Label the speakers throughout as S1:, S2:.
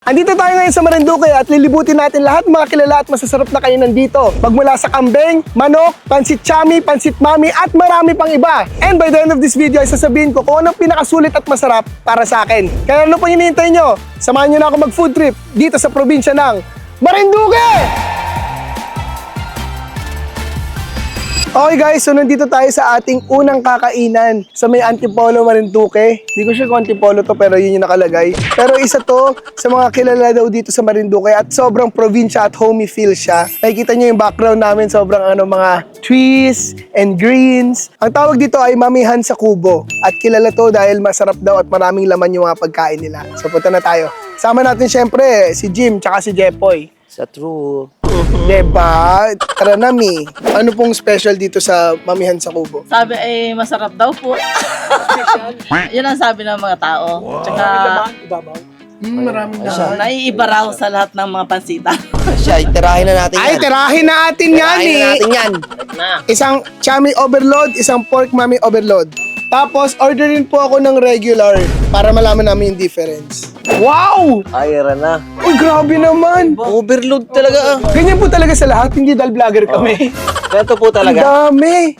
S1: Andito tayo ngayon sa Marinduque at lilibutin natin lahat ng mga kilala at masasarap na kainan dito. Magmula sa kambing, manok, pansit chami, pansit mami at marami pang iba. And by the end of this video ay sasabihin ko kung anong pinakasulit at masarap para sa akin. Kaya ano pang hinihintay nyo? Samahan nyo na ako mag food trip dito sa probinsya ng Marinduque! Okay guys, so nandito tayo sa ating unang kakainan sa may Antipolo, Marinduque. Hindi ko sure kung Antipolo to pero yun yung nakalagay. Pero isa to sa mga kilala daw dito sa Marinduque at sobrang probinsya at homey feel siya. Nakikita nyo yung background namin, sobrang mga trees and greens. Ang tawag dito ay Mamihan sa Kubo. At kilala to dahil masarap daw at maraming laman yung mga pagkain nila. So punta na tayo. Sama natin syempre si Jim tsaka si Jepoy.
S2: Sa true.
S1: Diba? Tara na, Mi. Ano pong special dito sa Mamihan sa Kubo?
S3: Sabi ay masarap daw po. Yun ang sabi ng mga tao. Tsaka
S1: Maraming na.
S3: naiiba raw sa lahat ng mga pansita.
S2: Siya, itirahin na natin yan.
S1: Ay, tirahin natin yan
S2: Tirahin na natin yan.
S1: Isang chami overload, isang pork mami overload. Tapos, orderin po ako ng regular para malaman namin yung difference. Wow!
S2: Ayra na.
S1: Uy, grabe naman!
S2: Overload talaga ah.
S1: Ganyan po talaga sa lahat, hindi dahil vlogger kami.
S2: Ganito po
S1: Ang
S2: talaga.
S1: dami!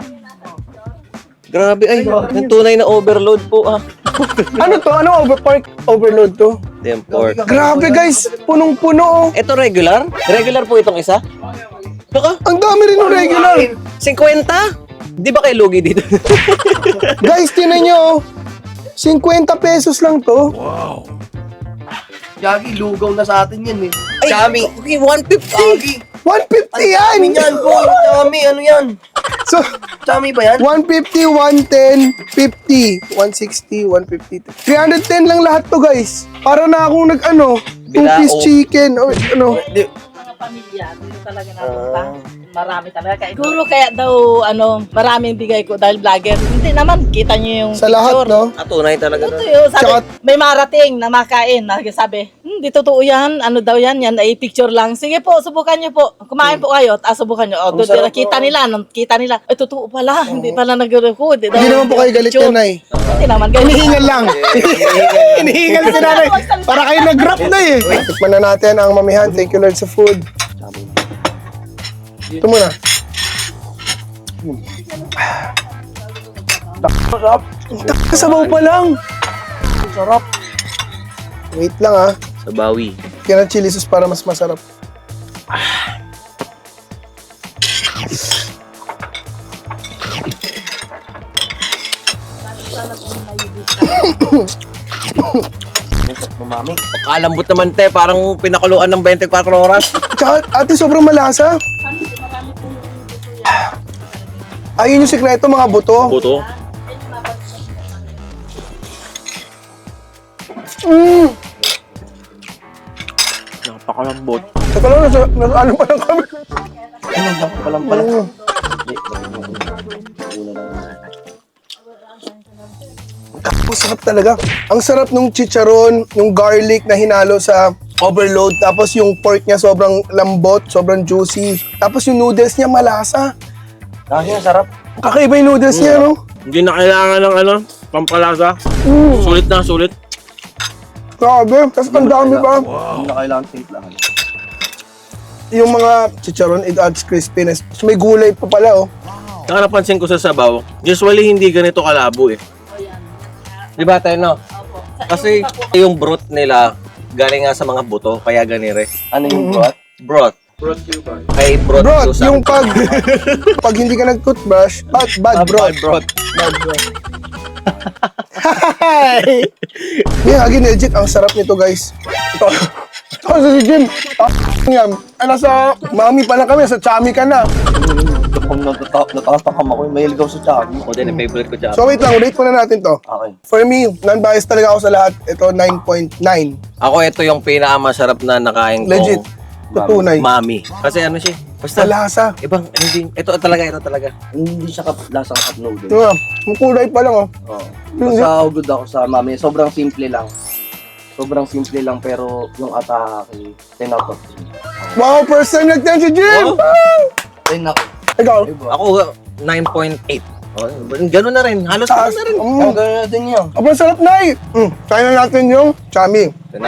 S2: Grabe ay. Yung tunay na overload po ah.
S1: Ano to? Ano pork overload to?
S2: Damn pork.
S1: Grabe guys, punong-puno oh.
S2: Ito regular? Regular po itong isa? Baka?
S1: Ang dami rin ng regular.
S2: 50? Di ba kayo lugi dito?
S1: Guys, tinan nyo oh. 50 pesos lang to.
S4: Yagi, lugaw na sa atin yan eh.
S2: Ay, Chami. Okay, 150.
S1: 150 yan!
S4: Ano yan, boy? Chami, ano yan?
S1: So,
S4: Chami ba yan?
S1: 150, 110, 50, 160, 150. 310 lang lahat to guys. Para na akong two-piece
S2: Bilao.
S1: chicken or ano.
S3: Mga pamilya, dito talaga napunta. Marami talaga. Siguro kaya daw, maraming bigay ko dahil vlogger. Hindi naman, kita nyo yung
S1: Sa lahat,
S3: picture.
S1: no?
S2: Ah, tunay talaga.
S3: Ito yun, sabi,
S1: Tsaka-
S3: may marating na makain. Sabi, di totoo yan. Ano daw yan? Yan ay picture lang. Sige po, subukan nyo po. Kumain po kayo. Subukan nyo. O, doon kita nila. Kita nila. Ay, totoo pala. Hindi pala nag-record.
S1: Hindi naman po kayo galit yan, Nay.
S3: Hindi naman. Galit.
S1: Hinihingal lang. Hinihingal si nanay. Para kayo nag-rap na eh. Tikman na natin ang Mamihan. Thank you Lord sa food. Ito muna.
S4: Sarap.
S1: Sabaw pa lang.
S4: Sarap.
S1: Wait lang ah.
S2: Sa bawi.
S1: Kaya ng chili sauce para mas masarap.
S4: Mamami.
S2: Kalambot naman te, parang pinakuluan ng 24 oras.
S1: Tsaka ate sobrang malasa. Ayun yung sikreto mga buto.
S2: Buto. Napakalambot.
S1: Teka lang, nasa ano pa lang kami.
S4: Palang pala.
S1: Ang sarap talaga. Ang sarap nung chicharon, yung garlic na hinalo sa overload. Tapos yung pork niya sobrang lambot, sobrang juicy. Tapos yung noodles niya malasa.
S4: Kasi sarap.
S1: Kakaiba yung noodles niya, no?
S2: Hindi na kailangan ng pampalasa. Sulit na, sulit.
S1: Grabe. Tapos ang dami pa.
S4: Hindi na kailangan lang.
S1: Yung mga chicharon, it adds crispiness. So may gulay pa pala, oh.
S2: Saka napansin ko sa sabaw, usually hindi ganito kalabo eh. Di ba tayo no? Kasi yung broth nila galing nga sa mga buto, kaya ganire.
S4: Ano yung broth?
S2: Broth. Ay, broth.
S1: Bro,
S2: to
S1: yung
S2: some-
S1: pag hindi ka nag-toothbrush, bad broth.
S2: Bad broth.
S1: Bad broth. Hi! Yeah, again, legit, ang sarap nito, guys. Ito si Jim. Yan. Nasa mami pa lang kami, sa chami ka na.
S4: Kung natatakam ako, may ligaw sa Chami.
S2: Ako din, yung favorite ko siya.
S1: So wait lang, rate ko na natin to.
S4: Okay.
S1: For me, non-biased talaga ako sa lahat. Ito, 9.9.
S2: Ako, ito yung pinakamasarap na nakain ko.
S1: Legit. Tutunay.
S2: Mami. Kasi ano siya, basta
S1: Malasa.
S2: ibang, hindi, ito talaga.
S4: Hindi siya lasang cup noodle.
S1: Ito nga, yung kulay pa lang, oh.
S4: Oo. Basta good ako sa mami. Sobrang simple lang. Sobrang simple lang pero yung atake, 10 out of 10.
S1: Wow, first time nag-10 si Jim!
S2: Oh.
S4: 10 ako.
S1: Ikaw?
S2: Ako, 9.8. Oh, ganun na rin. Halos ganun na rin.
S4: Ang ganda din yan.
S1: Aba, sarap na eh. Try na natin yung chami.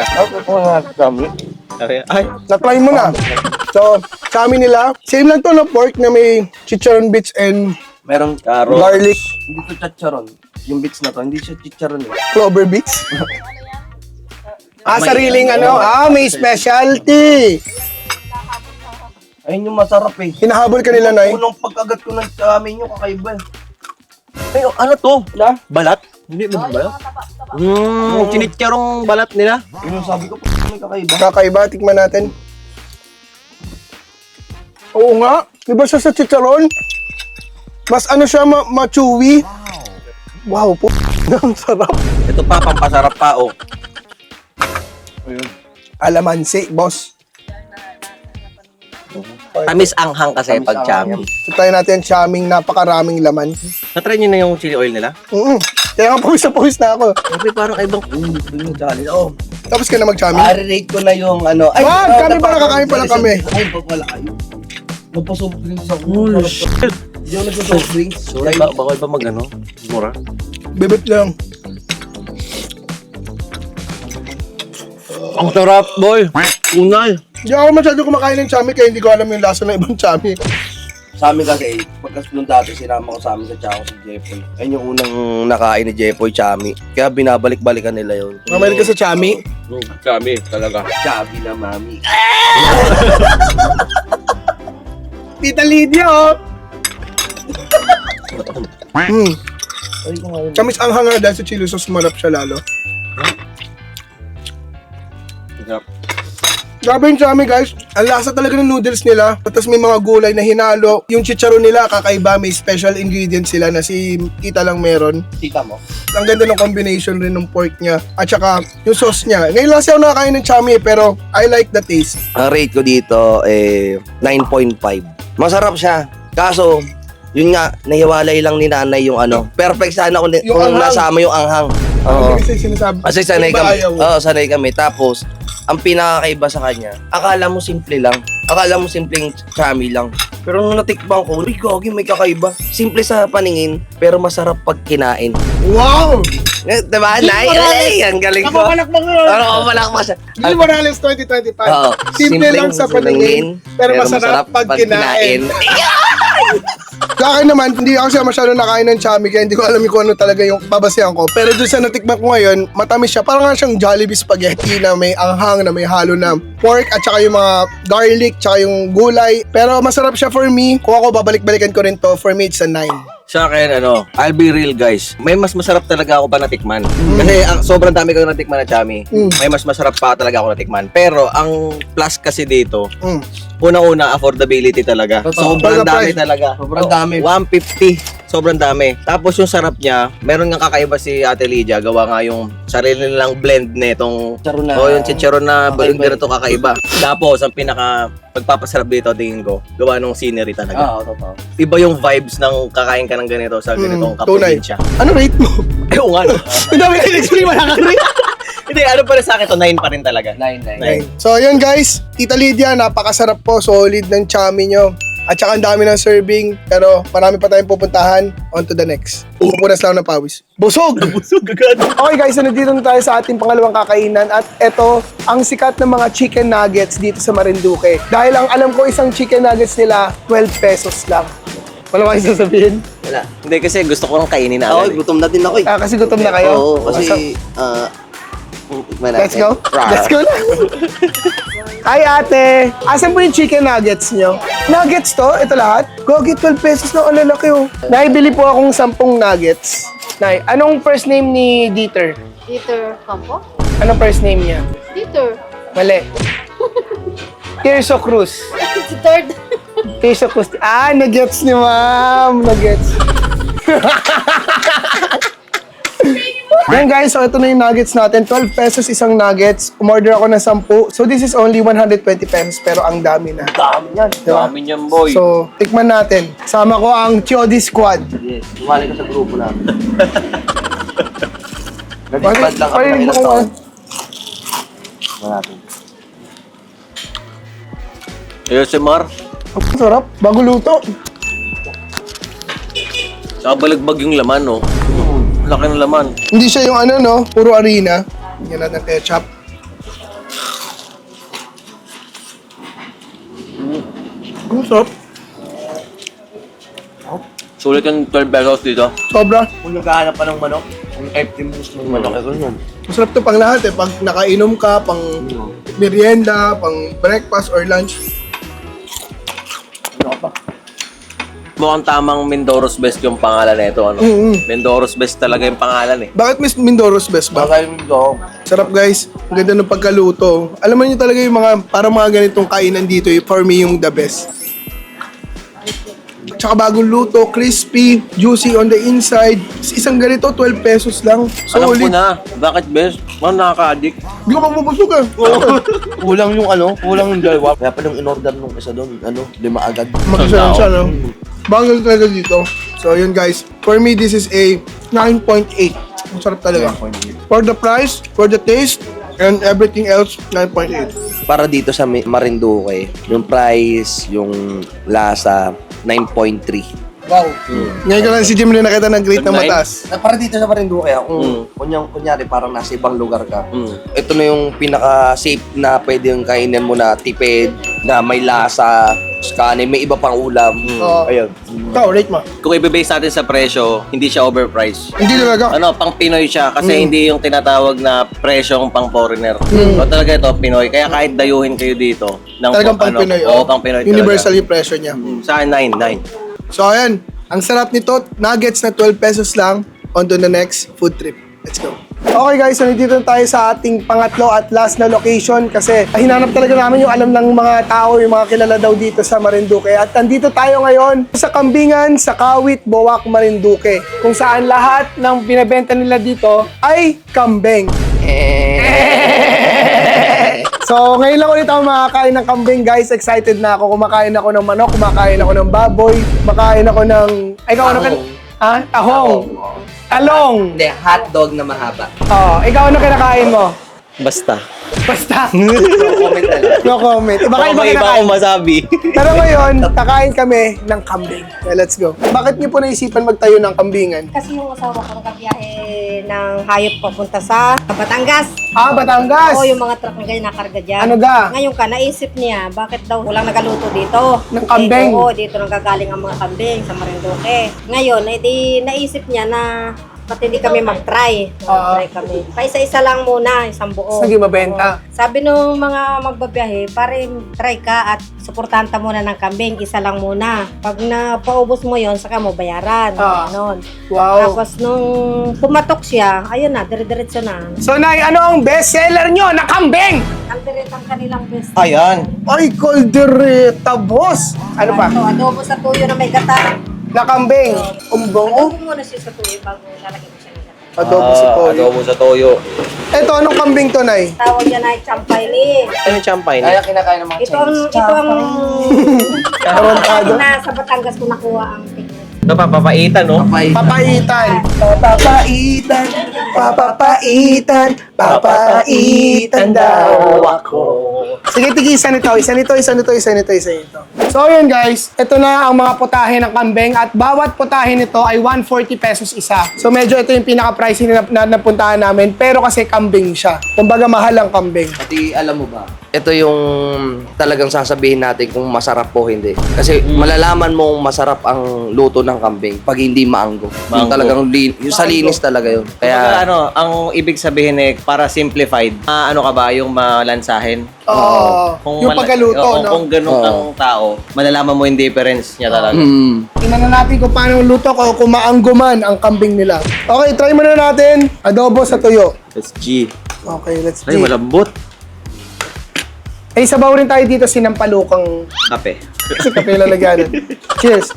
S2: Ay,
S1: Na-try mo na. So, chami nila. Same lang to na pork na may chicharon bits and
S4: Merong
S2: Carrots.
S1: garlic
S4: hindi to chicharon. Yung bits na to, hindi siya chicharon eh.
S1: clover bits. Sariling ano. May specialty.
S4: Ayun yung masarap eh.
S1: Hinahabol ka nila, Nay.
S4: Unang pagkagat ko ng amin yung kakaiba eh.
S2: ay, ano to?
S4: Na?
S2: Balat? Hindi ba balat? Chinitsarong balat nila.
S4: Yun yung sabi ko, may kakaiba.
S1: Kakaiba, tikman natin. Oo nga. Di ba siya sa chicharon? Mas ano siya, ma-chewy. Wow, po. Ang sarap.
S2: Ito pa, pampasarap pa, oh.
S1: Alamansi, boss.
S2: Tamis anghang kasi pag chami.
S1: So, tayo natin chaming napakaraming laman.
S2: Na-try nyo na yung chili oil nila?
S1: Kaya nga pawis na pawis na ako.
S2: Okay, parang ibang...
S4: Gusto yung challenge. Oh,
S1: Tapos ka na mag-chaming.
S4: i-rate ko na yung ano.
S1: Wag, kami pala, kakain pala kami.
S4: Ay, wala kayo. Magpa-soft drinks ako.
S2: Oh, shit.
S4: Hindi ako nagpa-soft drinks.
S2: Sorry, bawal ba mag-ano? Mura?
S1: Bibit lang.
S2: Ang sarap, boy! Unay!
S1: Hindi ako masyado kumakain ng chami kaya hindi ko alam yung lasa ng ibang chami.
S4: Sa amin kasi, pagkas nung dati sinama ko sa amin sa Chaco si Jepoy. Ayun yung unang nakain ni Jepoy, Chami. Kaya binabalik-balikan nila yun.
S1: Mamalik ka sa chami.
S2: Chami, talaga.
S4: Chami na mami.
S1: Tita Lydia, oh!
S4: Ay, kung ngayon.
S1: Chamis ang hanga dahil sa chili sauce, sumarap siya lalo. Grabe yung chami, guys. Ang lasa talaga ng noodles nila. Tapos may mga gulay na hinalo. Yung chicharon nila, kakaiba. May special ingredients sila na si Tita lang meron.
S4: Tita mo?
S1: Ang ganda ng combination rin ng pork niya. At saka yung sauce niya. Ngayon lang siya ako nakakain ng chami pero I like the taste.
S4: Ang rate ko dito, 9.5. Masarap siya. Kaso, yun nga, nahiwalay lang ni nanay yung ano. Perfect sana kung,
S1: Yung
S4: kung
S1: anghang.
S4: nasama yung anghang. Oo.
S1: Kasi sinasabi.
S4: Kasi sanay
S1: Iba
S4: kami.
S1: ayaw.
S4: Oo, sanay kami. Tapos, ang pinakakaiba sa kanya, akala mo simple lang. Akala mo simpleng chami lang. Pero nung natikbang ko, uy, gogi, may kakaiba. Simple sa paningin, pero masarap pag kinain.
S1: Wow!
S4: Diba, Nay? Ay, ang galing ko.
S1: Kapapalakpak mo.
S4: Pero kapalakpak siya.
S1: Gil Morales 2025.
S4: Oo.
S1: Simple lang sa paningin, pero masarap pag kinain. Sa akin naman, hindi ako siya masyado nakain ng chami kaya hindi ko alam kung ano talaga yung babasehan ko. Pero dun sa natikman ko ngayon, matamis siya. Parang nga siyang Jollibee spaghetti na may anghang, na may halo na pork at saka yung mga garlic, tsaka yung gulay. Pero masarap siya for me. Kung ako babalik-balikan ko rin to, for me it's a 9.
S2: Sa akin, I'll be real, guys. May mas masarap talaga ako pa natikman. Kasi sobrang dami ko natikman na chami. May mas masarap pa talaga ako natikman. Pero ang plus kasi dito, unang-una, affordability talaga. Sobrang
S1: Talaga
S2: dami
S1: price.
S2: talaga.
S4: Sobrang dami.
S2: 150. Sobrang dami. Tapos yung sarap niya, meron nga kakaiba si Ate Lydia. Gawa nga yung sarili nilang blend nitong
S4: Chicharon na-
S2: yung chicharon na
S4: Kakaiba.
S2: ganito kakaiba. Tapos, ang pinaka pagpapasarap dito, tingin ko, gawa nung scenery talaga.
S4: Oo, totoo.
S2: Iba yung vibes ng kakain ka ng ganito sa ganitong
S1: tunay.
S2: kaprobinsya.
S1: Ano rate mo?
S2: Eh, oo nga. No?
S1: Ang dami na in-explain, wala kang rate.
S2: Hindi, ano pa rin sa akin to, 9 pa rin talaga.
S4: 9.
S1: So, yun guys. Tita Lydia, napakasarap po. Solid ng chami nyo. At saka ang dami ng serving. Pero marami pa tayong pupuntahan. On to the next. Pupunas lang ng pawis. Busog!
S2: Busog agad.
S1: Okay guys, so nandito na tayo sa ating pangalawang kakainan. At ito, ang sikat ng mga chicken nuggets dito sa Marinduque. Dahil ang alam ko isang chicken nuggets nila, 12 pesos lang. Wala ba kayo sasabihin?
S2: Wala. Hindi, kasi gusto ko nang kainin na
S4: Ako,
S2: agad.
S4: gutom na din ako eh.
S1: Kasi gutom na kayo.
S4: Oo, kasi,
S1: Let's go. Let's go na. Hi ate! Asan po yung chicken nuggets nyo? Nuggets to? Ito lahat? Gogi, 12 pesos na. Ang lalaki oh. Naibili po akong 10 nuggets. Nay, anong first name ni Dieter?
S5: Dieter Campo?
S1: Anong first name niya?
S5: Dieter.
S1: Mali. Tirso Cruz.
S5: Si third.
S1: Tirso Cruz. Nuggets ni ma'am. Nuggets. Yan guys, so ito na yung nuggets natin. 12 pesos isang nuggets. Umorder ako ng 10. So this is only 120 pesos pero ang dami na.
S4: Dami yan.
S1: Diba?
S2: Dami niyan, boy.
S1: So, tikman natin. Sama ko ang Chodi Squad.
S4: Yes, umali ka sa grupo namin.
S1: Pari-
S4: Nag-bad lang kami ng
S1: parinig mo
S4: ilang
S1: kung
S4: taon.
S1: ano.
S4: Natin.
S2: ASMR.
S1: Ang sarap. Bago luto.
S2: Saka balagbag yung laman, no? Laki ng laman.
S1: Hindi siya yung ano, no? Puro harina. Yan natin ketchup. Ang sarap.
S2: Sulit yung 12 pesos dito.
S1: Sobra.
S4: Kung naghahanap pa ng manok, yung 50 minutes ng manok, yun.
S1: Masarap to pang lahat eh. Pag nakainom ka, pang merienda, pang breakfast or lunch.
S2: Mukhang tamang Mindoro's Best yung pangalan nito, ano? Mindoro's Best talaga yung pangalan, eh.
S1: Bakit Miss Mindoro's best ba?
S4: Baka yung dog.
S1: Sarap guys. Ang ganda ng pagkaluto. Alam mo niyo talaga yung mga, parang mga ganitong kainan dito, for me yung the best. Tsaka bagong luto, crispy, juicy on the inside. Isang ganito, 12 pesos lang.
S2: Alam ko
S1: Solid.
S2: na, bakit best? Mukhang nakaka-addict.
S1: Hindi ko mapupusok eh.
S4: Kulang yung kulang yung dalawa. Kaya pa nung in-order nung isa doon, 5 agad.
S1: Mag-isa siya, no? Bagal talaga dito. So, yun guys. For me, this is a 9.8. Ang sarap talaga. For the price, for the taste, and everything else, 9.8.
S4: Para dito sa Marinduque, yung price, yung lasa, 9.3.
S1: Wow. Ngayon ko lang si Jim na nakita ng grade na
S2: Good night.
S1: mataas.
S4: Para dito sa Marinduque, kung kunyari parang nasa ibang lugar ka, ito na yung pinaka-safe na pwede yung kainin mo na tipid, na may lasa, kanin, may iba pang ulam.
S1: Oo.
S4: Ayun.
S1: Ikaw, rate mo.
S2: Kung i-base natin sa presyo, hindi siya overpriced.
S1: Hindi talaga.
S2: Ano, pang Pinoy siya kasi hindi yung tinatawag na presyong pang foreigner. So talaga ito, Pinoy. Kaya kahit dayuhin kayo dito, ng
S1: Talagang pang Pinoy.
S2: Oo, pang Pinoy
S1: Universal
S2: talaga.
S1: yung presyo niya.
S2: Sa akin, 9.
S1: So, ayan. Ang sarap nito. Nuggets na 12 pesos lang. On to the next food trip. Let's go. Okay guys, so nandito tayo sa ating pangatlo at last na location kasi hinanap talaga namin yung alam ng mga tao, yung mga kilala daw dito sa Marinduque. At nandito tayo ngayon sa Kambingan, sa Kawit, Boac, Marinduque. Kung saan lahat ng binebenta nila dito ay kambing. So, ngayon lang ulit ako makakain ng kambing, guys. Excited na ako. Kumakain ako ng manok, kumakain ako ng baboy, kumakain ako ng... Ay, ikaw ano ka? Ha? Tahong. Talong.
S4: Hindi, hotdog na mahaba.
S1: Oh, ikaw ano kinakain mo?
S2: Basta.
S1: Basta.
S4: Comment na lang.
S1: No comment. Iba
S2: Baka
S1: iba
S2: may iba
S1: kinakain.
S2: akong masabi.
S1: Pero ngayon, kakain kami ng kambing. Okay, let's go. Bakit niyo po naisipan magtayo ng kambingan?
S6: Kasi yung asawa ko nagkabiyahe ng hayop papunta sa Batangas.
S1: Ah, Batangas.
S6: Oo, yung mga truck na ganyan nakarga dyan.
S1: Ano ga?
S6: Ngayon ka, naisip niya, bakit daw walang nagaluto dito?
S1: Ng kambing?
S6: Oo, dito nanggagaling ang mga kambing sa Marinduque. Ngayon, edi naisip niya na ba't hindi kami mag-try? Mag-try kami. Paisa-isa lang muna, isang buo.
S1: Sige, mabenta.
S6: Oo. Sabi nung mga magbabiyahe, pare, try ka at suportahan ta muna ng kambing, isa lang muna. Pag napaubos mo yon, saka mo bayaran. Ganon.
S1: Wow.
S6: Tapos nung pumatok siya, ayun na, dire-diretso na.
S1: So, Nay, ano ang best seller nyo na kambing?
S6: Ang direct ang kanilang best.
S2: Ayan.
S1: Ay, koldereta, boss. Ano pa?
S6: Ito, adobo sa tuyo na may gata.
S1: Na kambing. Umbong.
S6: Adobo muna siya sa tuyo bago lalagyan mo siya ng gata.
S1: Adobo sa toyo.
S2: Adobo sa toyo.
S1: Ito, anong kambing to, Nay?
S6: Tawag yan ay champay ni.
S2: Ano yung champagne?
S4: Kaya kinakain ng mga
S6: Ito ang na sa Batangas ko nakuha ang technique.
S2: Ito pa, papaitan, no?
S1: Papaitan. Papapaitan. Papapaitan. Papaitan daw ako. Sige, tigisan ito. Isa nito, isa nito, isa nito, isa nito. So, yun guys. Ito na ang mga putahe ng kambing at bawat putahe nito ay 140 pesos isa. So, medyo ito yung pinaka-pricing na napuntahan namin. Pero kasi kambing siya. Kumbaga, mahal ang kambing.
S4: Pati alam mo ba, ito yung talagang sasabihin natin kung masarap o hindi. Kasi malalaman mo kung masarap ang luto ng kambing pag hindi maanggo. Yung
S2: Maanggo.
S4: talagang yung sa linis talaga yun.
S2: Kaya
S4: Kaya
S2: ano, ang ibig sabihin eh, para simplified, ano ka ba, yung malansahin?
S1: Oo. Yung pagkaluto, no?
S2: Kung ganun ang tao, malalaman mo yung difference niya talaga.
S1: Tingnan na natin kung paano luto ko kung maanggo man ang kambing nila. Okay, try muna natin. Adobo sa tuyo.
S2: Let's G.
S1: Okay, let's
S2: Ay,
S1: see.
S2: malambot.
S1: Eh, sabaw rin tayo dito sinampalukang
S2: Kape.
S1: kasi kape lalagyanan. Cheers.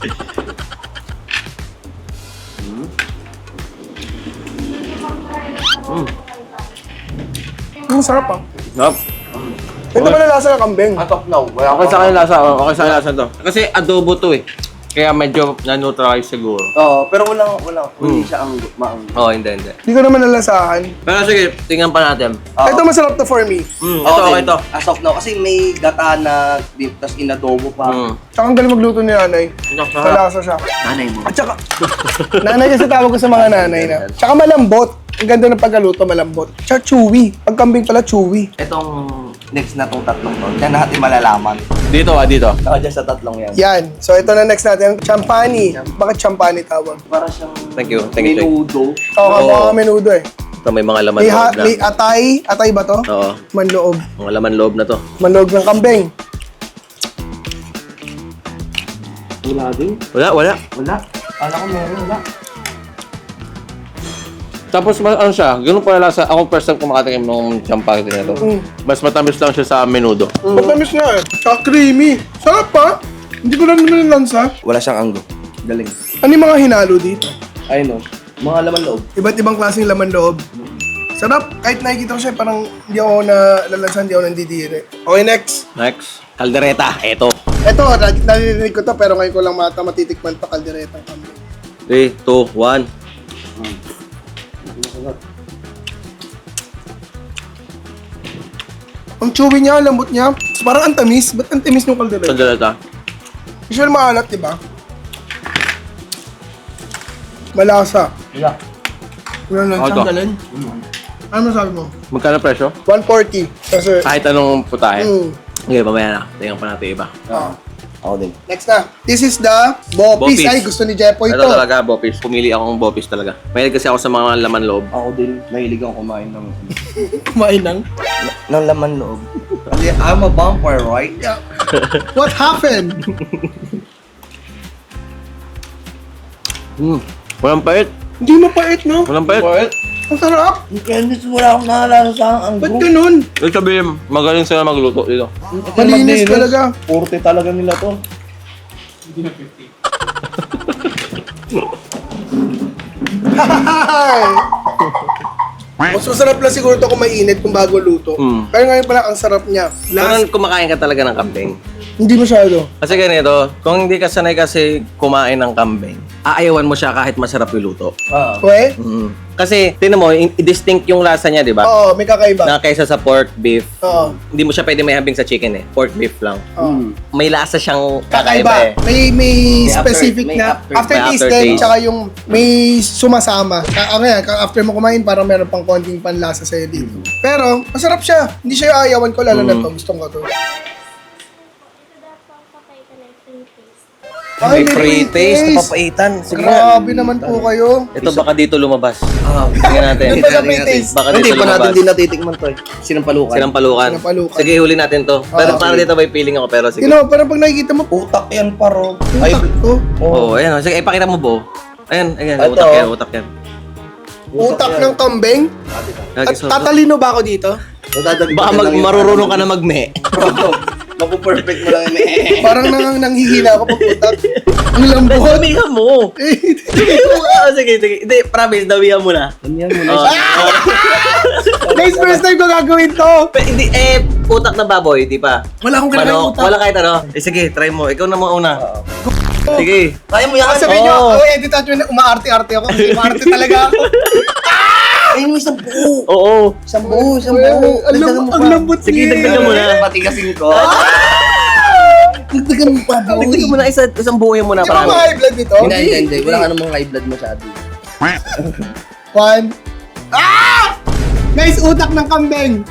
S1: Ang sarap ah.
S2: Yup.
S1: Ito ba na lasa ng kambing?
S4: atop na.
S2: Okay sa akin lasa. Okay sa akin lasa to. Kasi adobo to eh. Kaya medyo na-neutralize siguro.
S4: Oo, pero hindi siya ang maang.
S2: Oo, hindi.
S1: Hindi ko naman nalasahan.
S2: Pero sige, tingnan pa natin.
S1: Ito masarap to for me.
S2: Ito, okay to.
S4: As of now, kasi may gata na beef, tas inadobo pa.
S1: Tsaka ang galing magluto ni nanay. Malasa siya.
S4: Nanay mo.
S1: At tsaka, nanay kasi tawag ko sa mga nanay na. Tsaka malambot. Ang ganda ng pagkaluto, malambot. Tsaka chewy. Pag kambing pala, chewy.
S4: Itong next na tong tatlong to, yan natin malalaman.
S2: Dito.
S4: Saka dyan sa tatlong yan.
S1: Yan. So ito na next natin. Champani. Bakit champani tawag?
S4: Para siyang
S2: Thank you, Jake.
S4: menudo.
S1: Oo, mga menudo eh.
S2: Ito may mga laman
S1: May,
S2: loob na.
S1: may atay. Atay ba to?
S2: Oo,
S1: Manloob.
S2: mga laman loob na to.
S1: Manloob ng kambing.
S4: Wala din.
S2: Wala.
S4: Alam ko meron, wala.
S2: Tapos ano siya, ganun pala lasa. Ako first time kumakatingin ng champagay na to. Mas matamis lang siya sa menudo.
S1: Matamis nga eh. Tsaka creamy. Sarap pa. Hindi ko lang naman lansa.
S4: Wala siyang anggo. Galing.
S1: Ano yung mga hinalo dito?
S4: Ayun o. Mga laman loob.
S1: Iba't ibang klaseng laman loob. Sarap. Kahit nakikita ko siya, parang hindi ako nalalansan, hindi ako nandidiri. Okay, next.
S2: Next, kaldereta. Eto.
S1: Ito, naririnig ko to, pero ngayon ko lang matitikman pa kaldereta.
S2: 3, 2, 1.
S1: Ang chewy niya, ang lambot niya. Parang ang tamis. Ba't ang tamis ng kaldereta?
S2: Kaldereta.
S1: Usually maalat, di ba? Malasa.
S4: Wala.
S1: Wala lang.
S2: Ito.
S1: Ano masabi mo?
S2: Magkano presyo?
S1: 140. Kasi,
S2: Kahit anong putahe.
S1: mm,
S2: Okay, mamaya na. Tingnan pa natin iba.
S4: Ako din.
S1: next na. This is the Bopis.
S2: Bopis.
S1: Ay, gusto ni Jepoy
S2: Ito
S1: ito.
S2: talaga, Bopis. Pumili akong Bopis talaga. Mahilig kasi ako sa mga laman loob.
S4: Ako din. Mahilig akong kumain ng
S1: Kumain ng.
S4: laman loob. Kasi I'm a vampire, right?
S1: Yeah. What happened?
S2: Walang pait.
S1: Hindi mapait, no?
S2: Walang pait.
S1: Ang sarap.
S4: Kaya wala akong naalala sa anggo.
S1: Ba't ganun?
S2: Ibig sabihin, magaling sila magluto dito.
S1: Malinis talaga.
S4: Porte talaga nila to.
S1: Mas masarap lang siguro ito kung mainit kung bago luto. Pero ngayon pala, ang sarap niya.
S2: Parang kumakain ka talaga ng kambing.
S1: Hindi masyado.
S2: Kasi ganito, kung hindi ka sanay kasi kumain ng kambing, aayawan mo siya kahit masarap yung luto.
S1: Okay?
S2: Kasi, tinan mo, distinct yung lasa niya, di ba?
S1: Oo, may kakaiba.
S2: Na kaysa sa pork beef,
S1: Oo.
S2: hindi mo siya pwede may hambing sa chicken eh. Pork beef lang.
S1: Oo.
S2: May lasa siyang kakaiba eh.
S1: Kakaiba. May specific
S4: may
S1: na
S4: after-
S1: aftertaste
S2: may
S1: din,
S2: aftertaste.
S1: tsaka yung may sumasama. Ngayon, after mo kumain, parang meron pang konting panlasa sa'yo dito. Pero, masarap siya. Hindi siya yung ayawan ko, lalo na to. Gustong ko to.
S2: May pre-taste, napapaitan. Sige nga.
S1: Grabe naman po kayo.
S2: Ito baka dito lumabas. Tingnan natin.
S1: Doon pa sa pre-taste.
S2: Baka
S4: Hindi
S2: dito
S4: pa natin
S2: lumabas.
S4: din natitikman to eh. Sinampalukan.
S2: Sinampalukan.
S1: Sinampalukan.
S2: Sige, huli natin to. Pero para dito may feeling ako, pero sige.
S1: You know, parang pag nakikita mo,
S4: Utak yan paro. Ay,
S1: utak to.
S2: Oo, ayan. Sige, ipakita mo, Bo. Ayan,
S4: Ito.
S2: utak yan, utak yan.
S1: Utak ng kambing. At tatalino ba ako dito?
S2: Baka marurunong ka na magme.
S4: Mapu-perfect mo lang yun eh.
S1: Parang nanghihina ako pag utak. Ang lambot.
S2: Dawihan mo. Sige. Hindi, promise, dawihan mo na.
S4: Ganyan mo na.
S1: Guys, first time ko gagawin to.
S2: Hindi, utak na baboy, di pa.
S1: Wala akong kinakain
S2: Manok,
S1: utak.
S2: wala kahit ano. Sige, try mo. Ikaw na mauna. Sige.
S4: Kaya mo yan.
S1: Sabihin nyo,
S2: Oo.
S1: edit at yun, umaarte-arte ako. Kasi umaarte talaga ako.
S4: Ayun mo isang buo.
S2: Oo.
S4: Isang buo.
S1: Ang lambot
S2: Sige,
S1: niya.
S2: dagdagan mo na.
S4: Patigasin ko.
S1: Dagdagan mo pa, boy.
S2: Dagdagan mo na isang buhay mo na.
S1: Di ba
S2: Parang.
S1: high blood nito?
S4: Hindi. Wala ka namang high blood masyado.
S1: 1. Guys, utak ng kambing.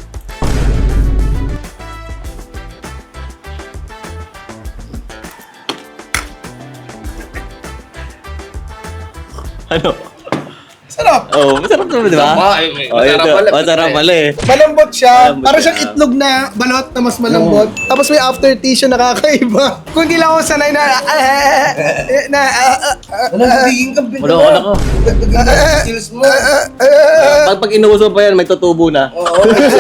S2: Ano?
S1: Sarap.
S2: Oo, masarap naman, di ba? Masarap pala eh.
S1: Malambot siya.
S2: Malambot
S1: Para
S2: siya.
S1: siyang itlog na balot na mas malambot. Tapos may aftertaste siya nakakaiba. Kung hindi lang ako sanay na...
S4: Ano nagiging kambing
S2: Wala ko na ko.
S4: Skills mo.
S2: Pag inuuso pa yan, may tutubo na.
S4: Oo.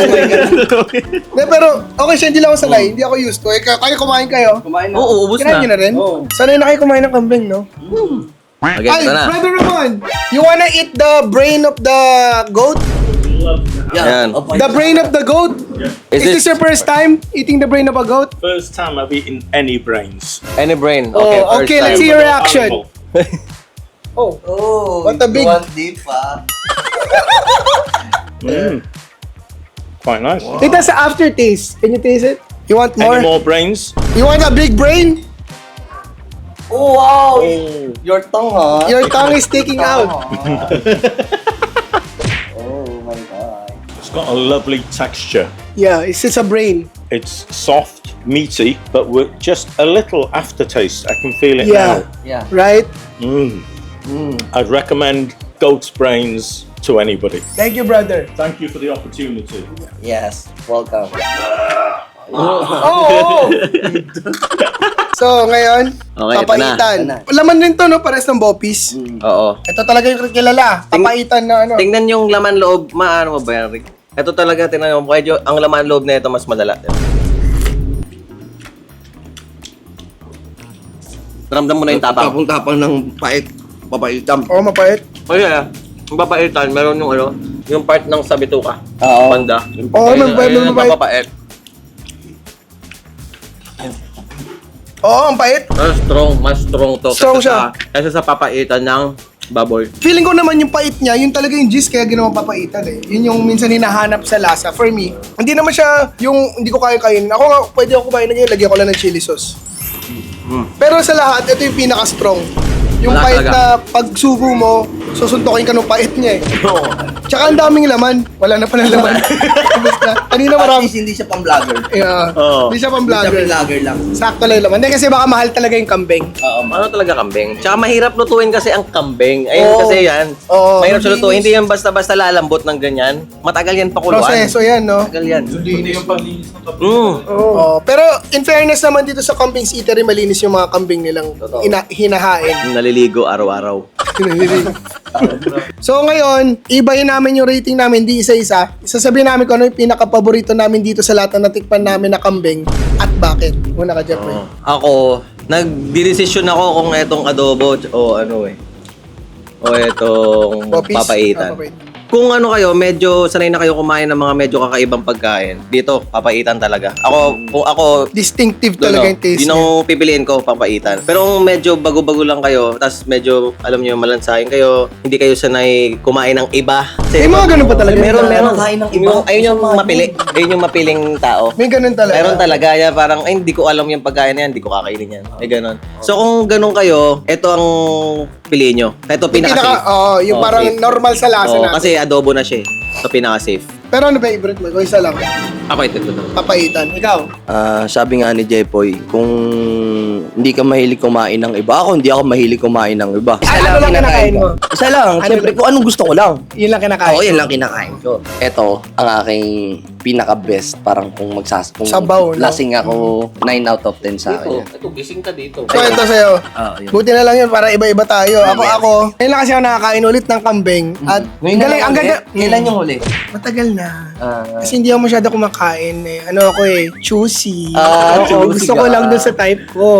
S1: Pero okay siya, hindi lang ako sanay. Hindi ako used to. Kayo kumain kayo.
S4: Kumain na.
S2: Oo, ubus
S1: Kinain nyo
S2: na.
S1: na rin?
S4: Oo.
S1: Sanay na kayo kumain ng kambing, no?
S2: Okay,
S1: Ay,
S2: ito na.
S1: Brother Ramon, you wanna eat the brain of the goat?
S2: Ayan.
S1: The brain of the goat? Is this your first time eating the brain of a goat?
S7: First time I've eaten any brains.
S2: Any brain?
S1: Oh,
S2: Okay, first
S1: okay, let's
S2: time.
S1: see your reaction.
S7: Animal.
S1: Oh,
S4: Oh,
S1: What a big-
S4: you want deep, ah.
S7: Quite nice.
S1: it has an aftertaste. Can you taste it? You want more?
S7: Any more brains?
S1: You want a big brain?
S4: Oh, wow.
S7: Oh.
S4: Your tongue, ha?
S1: Your tongue is sticking out.
S4: Oh my God.
S7: It's got a lovely texture.
S1: Yeah, it's just a brain.
S7: It's soft, meaty, but with just a little aftertaste. I can feel it
S1: Yeah.
S4: Yeah.
S1: Right?
S7: now. I'd recommend goat's brains to anybody.
S1: Thank you, brother.
S7: Thank you for the opportunity.
S4: Yes. Welcome.
S1: Oh! So, ngayon,
S2: Okay, ito
S1: papaitan.
S4: na.
S1: Laman din to, no? Pares ng bopis.
S2: Oo.
S1: Ito talaga yung kilala. Papaitan na ano.
S2: Tingnan yung laman loob, maano mo ba yan, Rick? Ito talaga, tingnan mo, medyo ang laman loob na ito mas malala. Ramdam mo na yung tapang.
S4: Tapang-tapang ng pait. Papaitam.
S1: Oh, mapait.
S2: O yeah, yung papaitan, meron yung ano, yung part ng sabituka.
S4: Oo.
S2: Banda.
S1: Oo,
S2: Ayun,
S1: may
S2: ayun,
S1: mapait.
S2: mapapait.
S1: Oo, ang pait.
S2: Mas strong to.
S1: Strong
S2: Kaysa sa papaitan ng baboy.
S1: Feeling ko naman yung pait niya, yun talaga yung gist kaya ginawang papaitan eh. Yun yung minsan hinahanap sa lasa. For me, hindi naman siya yung hindi ko kaya kainin. Ako nga, pwede ako kumain na ganyan, lagyan ko lang ng chili sauce. Pero sa lahat, ito yung pinaka-strong. Yung
S2: Wala
S1: pait
S2: talaga.
S1: na pag subo mo, susuntokin ka ng pait niya eh. Tsaka ang daming laman. Wala na palang laman. Basta, kanina
S4: At
S1: marami.
S4: least hindi siya pang-vlogger.
S1: Yeah.
S2: Oo.
S1: Hindi siya pang
S4: Hindi siya
S1: vlogger.
S4: vlogger lang.
S1: Sakto lang yung laman. Hindi kasi baka mahal talaga yung kambing.
S2: Ano talaga kambing? Tsaka mahirap lutuin kasi ang kambing. Ayun
S1: Oo.
S2: kasi yan.
S1: Oo.
S2: Mahirap siya lutuin. Hindi yan basta-basta lalambot ng ganyan. Matagal yan pakuluan.
S1: Proseso yan, no?
S2: Matagal yan.
S1: Oo. Pero in fairness naman dito sa Kambing's Eatery, malinis yung mga kambing nilang hinahain.
S2: Naliligo araw-araw.
S1: So ngayon, ibahin namin yung rating namin, di isa-isa. Isasabihin namin kung ano yung pinaka-paborito namin dito sa lahat na natikpan namin na kambing at bakit. Una ka, Jeffrey.
S2: Ako, nagdidesisyon ako kung etong adobo o ano eh. O etong
S1: Popis?
S2: papaitan.
S1: Ah, papaitan.
S2: Kung ano kayo, medyo sanay na kayo kumain ng mga medyo kakaibang pagkain. Dito, papaitan talaga. Kung ako,
S1: Distinctive talaga yung taste
S2: yun
S1: niya.
S2: ang pipiliin ko, papaitan. Pero kung medyo bago-bago lang kayo, tas medyo, alam niyo, malansahin kayo, hindi kayo sanay kumain ng iba.
S1: May mga ganun pa talaga.
S2: Meron.
S4: Kain ng iba.
S2: Ayun yung mapili. Ayun yung mapiling tao.
S1: May ganun talaga.
S2: Meron talaga. Yan, parang, ay, hindi ko alam yung pagkain na yan, hindi ko kakainin yan. May ganun. So, kung ganun kayo, ito ang piliin nyo. Ito pinaka-safe.
S1: Yung
S2: Oo,
S1: parang
S2: safe.
S1: normal sa lasa
S2: Oo,
S1: natin.
S2: kasi adobo na siya eh. Ito pinaka-safe.
S1: Pero ano ba yung favorite mo? Kung isa lang.
S2: Papaitan ko na.
S1: Papaitan. Ikaw?
S4: Sabi nga ni Jepoy, kung hindi ka mahilig kumain ng iba, ako hindi ako mahilig kumain ng iba.
S1: Ano lang kinakain mo?
S4: Isa lang. Siyempre, kung anong gusto ko lang.
S1: Yun lang kinakain.
S4: Ako, yan lang kinakain ko. Ito, ang aking pinaka-best. Parang kung kung
S1: Sabaw, no?
S4: lasing ako, 9 out of 10 sa akin.
S2: Ito, gising ka dito.
S1: So ito sa'yo.
S4: Yun.
S1: Buti na lang yun para iba-iba tayo. Ako. Ngayon lang kasi ako nakakain ulit ng kambing. At
S4: Ngayon na lang
S1: ang
S4: ulit.
S1: ganda.
S4: Kailan yung huli?
S1: Matagal na. Kasi hindi ako masyado kumakain eh. Ano ako eh, choosy. Oo,
S4: choosy
S1: gusto ko
S4: ka.
S1: lang dun sa type ko.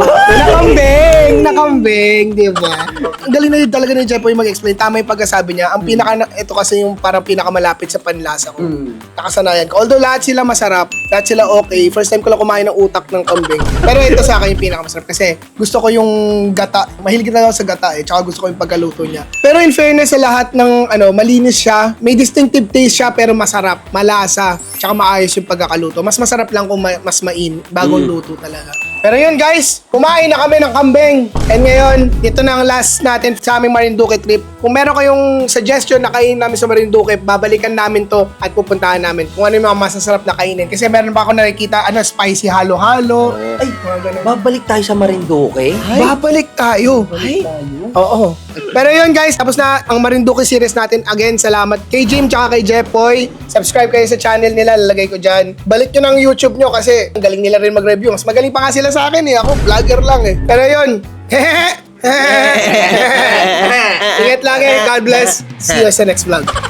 S1: Nakambing, di ba? Ang galing na din talaga ni Jeff yung mag-explain. Tama yung pagkasabi niya. Ang ito kasi yung parang pinakamalapit sa panlasa ko. Nakasanayan ko. Although lahat sila masarap, lahat sila okay. First time ko lang kumain ng utak ng kambing. Pero ito sa akin yung pinakamasarap kasi gusto ko yung gata. Mahilig na ako sa gata eh. Tsaka gusto ko yung pagkaluto niya. Pero in fairness sa lahat ng malinis siya. May distinctive taste siya pero masarap, malasa, tsaka maayos yung pagkakaluto. Mas masarap lang kung mas bagong luto talaga. Pero yun guys, kumain na kami ng kambing. And ngayon, ito na ang last natin sa aming Marinduque trip. Kung meron kayong suggestion na kainin namin sa Marinduque, babalikan namin to at pupuntahan namin kung ano yung mga masasarap na kainin. Kasi meron pa ako nakikita, spicy halo-halo. Ay, mga ganun.
S4: Babalik tayo sa Marinduque?
S1: Babalik tayo. Oo. Pero yun guys, tapos na ang Marinduque series natin. Again, salamat kay Jim tsaka kay Jepoy. Subscribe kayo sa channel nila, lalagay ko dyan. Balik nyo ng YouTube nyo kasi ang galing nila rin mag-review. Mas magaling pa nga sila sa akin eh. Ako, vlogger lang eh. Pero yun, ingat lagi. God bless. See you sa next vlog.